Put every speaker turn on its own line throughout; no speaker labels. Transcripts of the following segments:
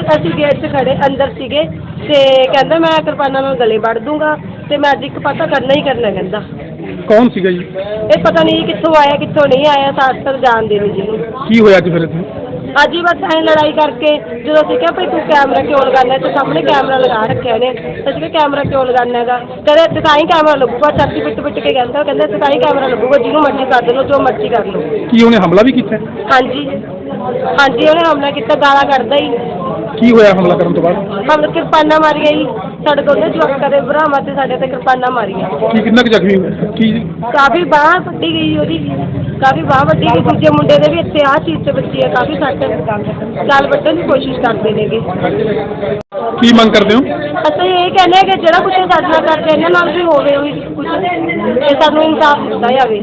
ਅਸੀਂ ਗੇਟ 'ਚ ਖੜੇ ਅੰਦਰ ਸੀਗੇ ਤੇ ਕਹਿੰਦਾ ਮੈਂ ਕਿਰਪਾਨਾਂ ਨਾਲ ਗਲੇ ਵੱਢ ਦੂੰਗਾ ਤੇ ਮੈਂ ਅੱਜ ਇੱਕ ਪਤਾ ਕਰਨਾ ਹੀ ਕਰਨਾ ਕਹਿੰਦਾ।
ਕੌਣ ਸੀਗਾ ਜੀ?
ਇਹ ਪਤਾ ਨਹੀਂ ਕਿੱਥੋਂ ਆਇਆ ਕਿੱਥੋਂ ਨਹੀਂ ਆਇਆ, ਸਾਰ ਜਾਣਦੇ ਨਹੀਂ ਜੀ।
ਕੀ ਹੋਇਆ ਅੱਜ ਫਿਰ ਇੱਥੇ?
ਅੱਜ ਹੀ ਬਸ ਐਂ ਲੜਾਈ ਕਰਕੇ ਜਦੋਂ ਅਸੀਂ ਕਿਹਾ ਭਾਈ ਤੂੰ ਕੈਮਰਾ ਕਿਉਂ ਲਗਾਉਣਾ, ਤੇ ਸਾਹਮਣੇ ਕੈਮਰਾ ਲਗਾ ਰੱਖਿਆ ਇਹਨੇ, ਅਸੀਂ ਕਿਹਾ ਕੈਮਰਾ ਕਿਉਂ ਲਗਾਉਣਾ ਹੈਗਾ, ਕਹਿੰਦੇ ਇੱਥੇ ਤਾਂ ਹੀ ਕੈਮਰਾ ਲੱਗੂਗਾ, ਛਾਤੀ ਪਿੱਟ ਕੇ ਕਹਿੰਦਾ ਇੱਥੇ ਤਾਂ ਹੀ ਕੈਮਰਾ ਲੱਗੂਗਾ, ਜਿਹਨੂੰ ਮਰਜ਼ੀ ਕਰ ਲਓ ਜੋ ਮਰਜ਼ੀ ਕਰ ਲਓ।
ਕੀ ਉਹਨੇ ਹਮਲਾ ਵੀ ਕੀਤਾ?
ਹਾਂਜੀ ਹਾਂਜੀ ਉਹਨੇ ਹਮਲਾ ਕੀਤਾ, ਗਾਲਾਂ ਕੱਢਦਾ ਹੀ।
ਕੀ ਹੋਇਆ ਹਮਲਾ ਕਰਨ ਤੋਂ ਬਾਅਦ?
ਹਮਲਾ ਕਿਰਪਾਨਾਂ ਮਾਰੀਆਂ ਜੀ, ਸਾਡੇ ਦੋਨੇ ਜਵਾਕਾਂ ਦੇ ਭਰਾਵਾਂ ਤੇ ਸਾਡੇ ਤੇ ਕਿਰਪਾਨਾਂ ਮਾਰੀਆਂ।
ਕੀ ਕਿੰਨਾ ਕੁ ਜ਼ਖਮੀ ਹੋਇਆ? ਕੀ
ਕਾਫੀ ਬਾਂਹ ਵੱਢੀ ਗਈ ਉਹਦੀ, ਕਾਫੀ ਬਾਂਹ ਵੱਢੀ ਗਈ। ਦੂਜੇ ਮੁੰਡੇ ਦੇ ਵੀ ਇੱਥੇ ਆਹ ਚੀਜ਼ ਤੇ ਵੱਜੀ ਹੈ, ਕਾਫੀ ਸੱਟ, ਗਲ ਵੱਢਣ ਦੀ ਕੋਸ਼ਿਸ਼ ਕਰਦੇ ਨੇਗੇ।
ਕੀ ਮੰਗ ਕਰਦੇ ਹੋ?
ਅਸੀਂ ਇਹ ਕਹਿੰਦੇ ਹਾਂ ਕਿ ਜਿਹੜਾ ਕੁਛ ਸਾਡੇ ਨਾਲ ਕਰਦੇ ਇਹਨਾਂ ਨਾਲ ਵੀ ਹੋਵੇ ਉਹੀ ਕੁਛ, ਤੇ ਸਾਨੂੰ ਇਨਸਾਫ ਦਿੱਤਾ ਜਾਵੇ।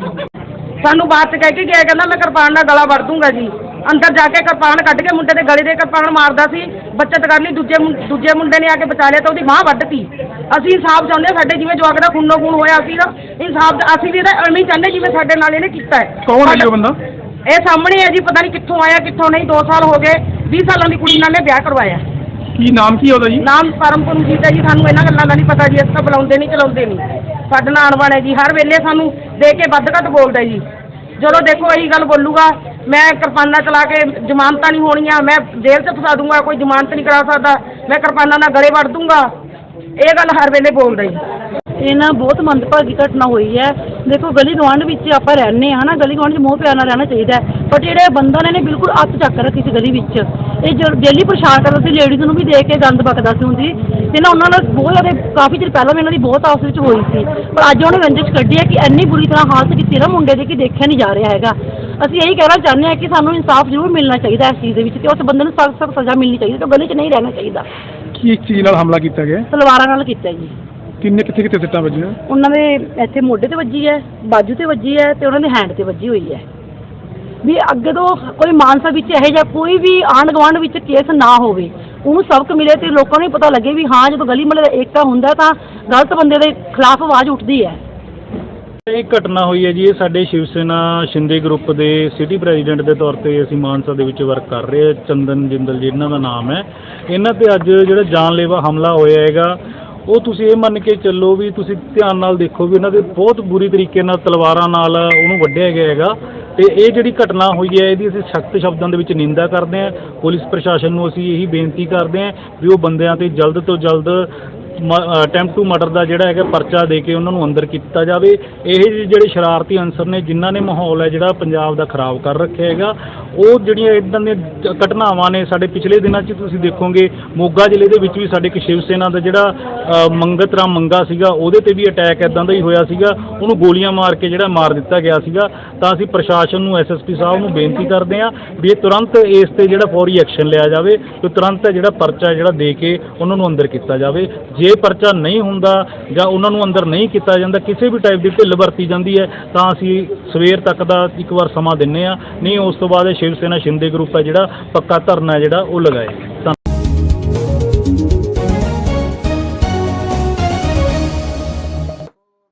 ਸਾਨੂੰ ਬਾਅਦ 'ਚ ਕਹਿ ਕੇ ਗਿਆ, ਕਹਿੰਦਾ ਮੈਂ ਕਿਰਪਾਨ ਨਾਲ ਗਲਾ ਵੱਢ ਦੂੰਗਾ ਜੀ। ਅੰਦਰ ਜਾ ਕੇ ਕਿਰਪਾਨ ਕੱਢ ਕੇ ਮੁੰਡੇ ਦੇ ਗਲੇ ਦੇ ਕਿਰਪਾਨ ਮਾਰਦਾ ਸੀ, ਬੱਚਤ ਕਰ ਲਈ। ਦੂਜੇ ਮੁੰਡੇ ਨੇ ਆ ਕੇ ਬਚਾ ਲਿਆ ਤਾਂ ਉਹਦੀ ਬਾਂਹ ਵੱਢਤੀ। ਅਸੀਂ ਇਨਸਾਫ ਚਾਹੁੰਦੇ ਹਾਂ, ਸਾਡੇ ਜਿਵੇਂ ਜਵਾਕ ਦਾ ਖੂਨੋ ਖੂਨ ਹੋਇਆ ਅਸੀਂ ਨਾ ਇਨਸਾਫ, ਅਸੀਂ ਵੀ ਇਹਦਾ ਐਵੇਂ ਹੀ ਚਾਹੁੰਦੇ ਜਿਵੇਂ ਸਾਡੇ ਨਾਲ ਇਹਨੇ ਕੀਤਾ ਹੈ।
ਕੌਣ ਹੈ ਜੀ ਉਹ ਬੰਦਾ?
ਇਹ ਸਾਹਮਣੇ ਹੈ ਜੀ, ਪਤਾ ਨਹੀਂ ਕਿੱਥੋਂ ਆਇਆ ਕਿੱਥੋਂ ਨਹੀਂ। 2 ਸਾਲ ਹੋ ਗਏ, 20 ਸਾਲਾਂ ਦੀ ਕੁੜੀ ਨਾਲ ਨੇ ਵਿਆਹ ਕਰਵਾਇਆ।
ਕੀ ਨਾਮ ਕੀ ਉਹਦਾ ਜੀ?
ਨਾਮ ਪਰਮਪੁਰਜੀਤ ਹੈ ਜੀ, ਸਾਨੂੰ ਇਹਨਾਂ ਗੱਲਾਂ ਦਾ ਨਹੀਂ ਪਤਾ ਜੀ, ਅਸੀਂ ਤਾਂ ਬੁਲਾਉਂਦੇ ਨਹੀਂ ਚਲਾਉਂਦੇ ਨਹੀਂ। ਸਾਡੇ ਨਾਲ ਆਉਣ ਵਾਲਾ ਜੀ ਹਰ ਵੇਲੇ ਸਾਨੂੰ ਦੇਖ ਕੇ ਵੱਧ ਘੱਟ ਬੋਲਦਾ ਜੀ। ਜਦੋਂ ਦੇਖੋ ਇਹੀ ਗੱਲ ਬੋਲੂਗਾ, ਮੈਂ ਕਿਰਪਾਨਾਂ ਚਲਾ ਕੇ ਜ਼ਮਾਨਤਾਂ ਨਹੀਂ ਹੋਣੀਆਂ, ਮੈਂ ਜੇਲ੍ਹ 'ਚ ਫਸਾ ਦੂੰਗਾ, ਕੋਈ ਜ਼ਮਾਨਤ ਨਹੀਂ ਕਰਾ ਸਕਦਾ, ਮੈਂ ਕਿਰਪਾਨਾਂ ਨਾਲ ਗਲੇ ਵੱਢ ਦੂੰਗਾ, ਇਹ ਗੱਲ ਹਰ ਵੇਲੇ ਬੋਲਦਾ ਜੀ।
ਇਹ ਨਾ ਬਹੁਤ ਮੰਦਭਾਗੀ ਘਟਨਾ ਹੋਈ ਹੈ। ਦੇਖੋ ਗਲੀ ਗੁਆਂਢ ਵਿੱਚ ਆਪਾਂ ਰਹਿੰਦੇ ਹਾਂ ਨਾ, ਗਲੀ ਗੁਆਂਢ 'ਚ ਮੋਹ ਪਿਆਰ ਨਾਲ ਰਹਿਣਾ ਚਾਹੀਦਾ ਹੈ, ਬਟ ਜਿਹੜੇ ਬੰਦਾ ਨੇ ਬਿਲਕੁਲ ਅੱਤ ਚੱਕ ਰੱਖੀ ਸੀ ਗਲੀ ਵਿੱਚ। ਇਹ ਜੋ ਡੇਲੀ ਪਰੇਸ਼ਾਨ ਕਰਦਾ ਸੀ, ਲੇਡੀਜ਼ ਨੂੰ ਵੀ ਦੇਖ ਕੇ ਗੰਦ ਬਕਦਾ ਸੀ ਹੁੰਦੀ, ਤੇ ਨਾ ਉਹਨਾਂ ਨਾਲ ਬਹੁਤ ਜ਼ਿਆਦਾ ਕਾਫੀ ਚਿਰ ਪਹਿਲਾਂ ਵੀ ਇਹਨਾਂ ਦੀ ਬਹੁਤ ਆਪਸ ਵਿੱਚ ਹੋਈ ਸੀ, ਪਰ ਅੱਜ ਉਹਨੇ ਰੰਜਿਸ਼ ਕੱਢੀ ਹੈ ਕਿ ਇੰਨੀ ਬੁਰੀ ਤਰ੍ਹਾਂ ਹਾਲਤ ਕੀਤੀ ਨਾ ਮੁੰਡੇ ਦੀ ਕਿ ਦੇਖਿਆ ਨਹੀਂ ਜਾ ਰਿਹਾ ਹੈਗਾ। ਅਸੀਂ ਇਹੀ ਕਹਿਣਾ ਚਾਹੁੰਦੇ ਹਾਂ ਕਿ ਸਾਨੂੰ ਇਨਸਾਫ ਜ਼ਰੂਰ ਮਿਲਣਾ ਚਾਹੀਦਾ ਇਸ ਚੀਜ਼ ਦੇ ਵਿੱਚ, ਤੇ ਉਸ ਬੰਦੇ ਨੂੰ ਸਖਤ ਸਖਤ ਸਜ਼ਾ ਮਿਲਣੀ ਚਾਹੀਦੀ, ਤੇ ਗਲੀ 'ਚ ਨਹੀਂ ਰਹਿਣਾ ਚਾਹੀਦਾ।
ਕੀ ਚੀਜ਼ ਨਾਲ ਹਮਲਾ ਕੀਤਾ ਗਿਆ?
ਤਲਵਾਰਾਂ ਨਾਲ ਕੀਤਾ ਜੀ।
ਕਿੱਥੇ ਸੱਟਾਂ ਵੱਜੀਆਂ?
ਉਹਨਾਂ ਦੇ ਇੱਥੇ ਮੋਢੇ ਤੇ ਵੱਜੀ ਹੈ, ਬਾਜੂ ਤੇ ਵੱਜੀ ਹੈ, ਤੇ ਉਹਨਾਂ ਦੇ ਹੈਂਡ ਤੇ ਵੱਜੀ ਹੋਈ ਹੈ। ਵੀ ਅੱਗੇ ਤੋਂ ਕੋਈ ਮਾਨਸਾ ਵਿੱਚ ਇਹੋ ਜਿਹਾ ਕੋਈ ਵੀ ਆਂਢ ਗੁਆਂਢ ਵਿੱਚ ਕੇਸ ਨਾ ਹੋਵੇ, ਉਹਨੂੰ ਸਬਕ ਮਿਲੇ ਤੇ ਲੋਕਾਂ ਨੂੰ ਪਤਾ ਲੱਗੇ ਵੀ ਹਾਂ ਜਦੋਂ ਗਲੀ ਮੁਹੱਲੇ ਦਾ ਏਕਤਾ ਹੁੰਦਾ ਤਾਂ ਗਲਤ ਬੰਦੇ ਦੇ ਖਿਲਾਫ ਆਵਾਜ਼ ਉੱਠਦੀ ਹੈ।
ਇਹ ਘਟਨਾ ਹੋਈ ਹੈ ਜੀ, ਇਹ ਸਾਡੇ ਸ਼ਿਵ ਸੈਨਾ ਸ਼ਿੰਦੇ ਗਰੁੱਪ ਦੇ ਸਿਟੀ ਪ੍ਰੈਜ਼ੀਡੈਂਟ ਦੇ ਤੌਰ ਤੇ ਅਸੀਂ ਮਾਨਸਾ ਦੇ ਵਿੱਚ ਵਰਕ ਕਰ ਰਹੇ ਹਾਂ। ਚੰਦਨ ਜਿੰਦਲ ਜੀ ਇਹਨਾਂ ਦਾ ਨਾਮ ਹੈ। ਇਹਨਾਂ ਤੇ ਅੱਜ ਜਿਹੜਾ ਜਾਨਲੇਵਾ ਹਮਲਾ ਹੋਇਆ ਹੈਗਾ, ਉਹ ਤੁਸੀਂ ਇਹ ਮੰਨ ਕੇ ਚੱਲੋ ਵੀ ਤੁਸੀਂ ਧਿਆਨ ਨਾਲ ਦੇਖੋ ਵੀ ਇਹਨਾਂ ਦੇ ਬਹੁਤ ਬੁਰੀ ਤਰੀਕੇ ਨਾਲ ਤਲਵਾਰਾਂ ਨਾਲ ਉਹਨੂੰ ਵੱਢਿਆ ਗਿਆ ਹੈਗਾ। ਤੇ ਇਹ ਜਿਹੜੀ ਘਟਨਾ ਹੋਈ ਹੈ ਇਹਦੀ ਅਸੀਂ ਸਖਤ ਸ਼ਬਦਾਂ ਦੇ ਵਿੱਚ ਨਿੰਦਾ ਕਰਦੇ ਹਾਂ। ਪੁਲਿਸ ਪ੍ਰਸ਼ਾਸਨ ਨੂੰ ਅਸੀਂ ਇਹੀ ਬੇਨਤੀ ਕਰਦੇ ਹਾਂ ਵੀ ਉਹ ਬੰਦਿਆਂ ਤੇ ਜਲਦ ਤੋਂ ਜਲਦ ਅਟੈਂਪਟ ਟੂ ਮਰਡਰ ਦਾ ਜਿਹੜਾ ਹੈਗਾ ਪਰਚਾ ਦੇ ਕੇ ਉਹਨਾਂ ਨੂੰ ਅੰਦਰ ਕੀਤਾ ਜਾਵੇ। ਇਹ ਜਿਹੜੇ ਸ਼ਰਾਰਤੀ ਅਨਸਰ ਨੇ ਜਿਨ੍ਹਾਂ ਨੇ ਮਾਹੌਲ ਹੈ ਜਿਹੜਾ ਪੰਜਾਬ ਦਾ ਖਰਾਬ ਕਰ ਰੱਖਿਆ ਹੈਗਾ, ਉਹ ਜਿਹੜੀਆਂ ਇੱਦਾਂ ਦੀਆਂ ਘਟਨਾਵਾਂ ਨੇ ਸਾਡੇ ਪਿਛਲੇ ਦਿਨਾਂ 'ਚ ਤੁਸੀਂ ਦੇਖੋਗੇ ਮੋਗਾ ਜ਼ਿਲ੍ਹੇ ਦੇ ਵਿੱਚ ਵੀ ਸਾਡੇ ਇੱਕ ਸ਼ਿਵ ਸੈਨਾ ਦਾ ਜਿਹੜਾ ਮੰਗਤ ਰਾਮ ਮੰਗਾ ਸੀਗਾ, ਉਹਦੇ ਤੇ ਵੀ ਅਟੈਕ ਇੱਦਾਂ ਦਾ ਹੀ ਹੋਇਆ ਸੀਗਾ, ਉਹਨੂੰ ਗੋਲੀਆਂ ਮਾਰ ਕੇ ਜਿਹੜਾ ਮਾਰ ਦਿੱਤਾ ਗਿਆ ਸੀਗਾ। ਤਾਂ ਅਸੀਂ ਪ੍ਰਸ਼ਾਸਨ ਨੂੰ SSP ਸਾਹਿਬ ਨੂੰ ਬੇਨਤੀ ਕਰਦੇ ਹਾਂ ਵੀ ਇਹ ਤੁਰੰਤ ਇਸ ਤੇ ਜਿਹੜਾ ਫੌਰੀ ਐਕਸ਼ਨ ਲਿਆ ਜਾਵੇ ਤੇ ਤੁਰੰਤ ਜਿਹੜਾ ਪਰਚਾ ਜਿਹੜਾ ਦੇ ਕੇ ਉਹਨਾਂ ਨੂੰ ਅੰਦਰ ਕੀਤਾ ਜਾਵੇ। ਜੇ ਪਰਚਾ ਨਹੀਂ ਹੁੰਦਾ ਜਾਂ ਉਹਨਾਂ ਨੂੰ ਅੰਦਰ ਨਹੀਂ ਕੀਤਾ ਜਾਂਦਾ, ਕਿਸੇ ਵੀ ਟਾਈਪ ਦੀ ਢਿੱਲ ਵਰਤੀ ਜਾਂਦੀ ਹੈ, ਤਾਂ ਅਸੀਂ ਸਵੇਰ ਤੱਕ ਦਾ ਇੱਕ ਵਾਰ ਸਮਾਂ ਦਿੰਦੇ ਹਾਂ, ਨਹੀਂ ਉਸ ਤੋਂ ਬਾਅਦ ਸ਼ਿਵ ਸੈਨਾ ਸ਼ਿੰਦੇ ਗਰੁੱਪ ਹੈ ਜਿਹੜਾ ਪੱਕਾ ਧਰਨਾ ਜਿਹੜਾ ਉਹ ਲਗਾਏ।